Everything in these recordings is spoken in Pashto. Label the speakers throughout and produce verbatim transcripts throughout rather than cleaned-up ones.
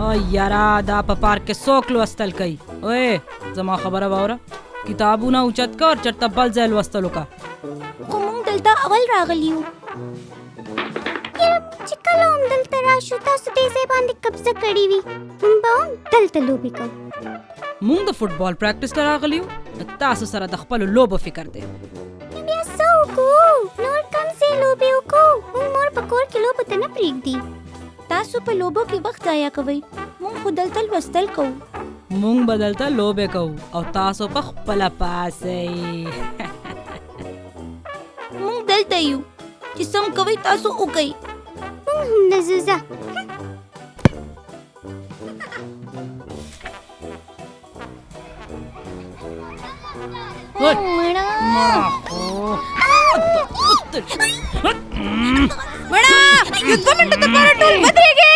Speaker 1: او یارا دا په پارک کې څوک لوستل کوي؟ اوې زما خبره واوره، کتابونه اوچت کا اور چرته بل ځای لوستلو کا.
Speaker 2: خو موږ دلته اول راغلی یو. یاره چې کله هم دلته راشو تاسو دې ځای باندې قبضه کړې وي، موږ به هم دلته لوبې کوو.
Speaker 1: موږ د فوټبال پریکټس ته راغلی یو، تاسو سره د خپلو لوبو فکر دی.
Speaker 2: بیا څه وکړو؟ نور کوم ځای لوبې وکړو؟ موږ مور په کور کې لوبو ته نه پرېږدي. تاسو په لوبو کې وخت ضایع کوئ، موږ خو دلته لوستل کوو.
Speaker 1: موږ به دلته لوبې کوو او تاسو په خپله پاسئ.
Speaker 2: موږ دلته یو، چې سم کوئ تاسو وکئ. موږ هم نه ځو ځه. مړه مړه یو دوه منټه دپاره ټول ودرېږئ.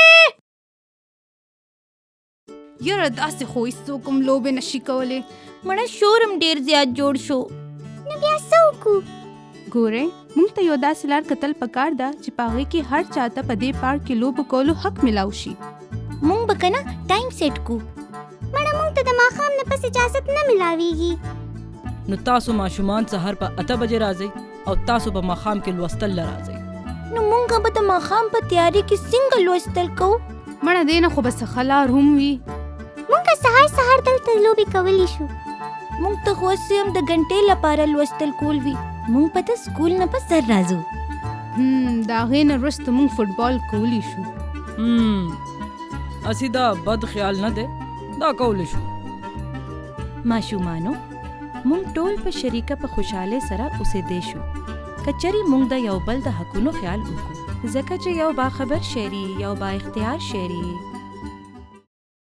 Speaker 3: یاره داسې خو هېڅوک هم لوبې نشي کولی.
Speaker 2: مړه شور هم ډېر زیات جوړ شو. نو بیا څه وکړو؟
Speaker 3: ګورئ موږ ته یو داسې لار کتل پکار ده چې په هغې کې هر چاته په دې پارک کې لوبو کولو حق ملاو شي.
Speaker 2: موږ به که نه ټایم سیټ کړو. مړه موږ ته د ماښام نه پس اجازت نه ملاویږي.
Speaker 1: نو تاسو ماشومان سهار په اته بجې راځئ او تاسو په ماښام کې لوستل له راځئ.
Speaker 2: نو موږ به د ماښام په تیاري کې څنګه لوستل کوو؟
Speaker 3: مړه دې نه خو به څه ښه لار هم وي.
Speaker 2: موږ سهار سهار دلته لوبې کولی شو. موږ ته خو هسې هم د غنټې لپاره لوستل کول وي. موږ به د سکول نه په سر راځو.
Speaker 3: هم د هغې نه وروسته موږ فوټبال کولی شو.
Speaker 1: هم اسی دا بد خیال نه دی، دا کولی شو.
Speaker 4: ماشومانو مونږ ټول په شریکه په خوشاله سره اوسېدی شو. کچری مونږ د یو بل د حقونو خیال وکړو، ځکه چې یو باخبر شهري یو با اختیار شهري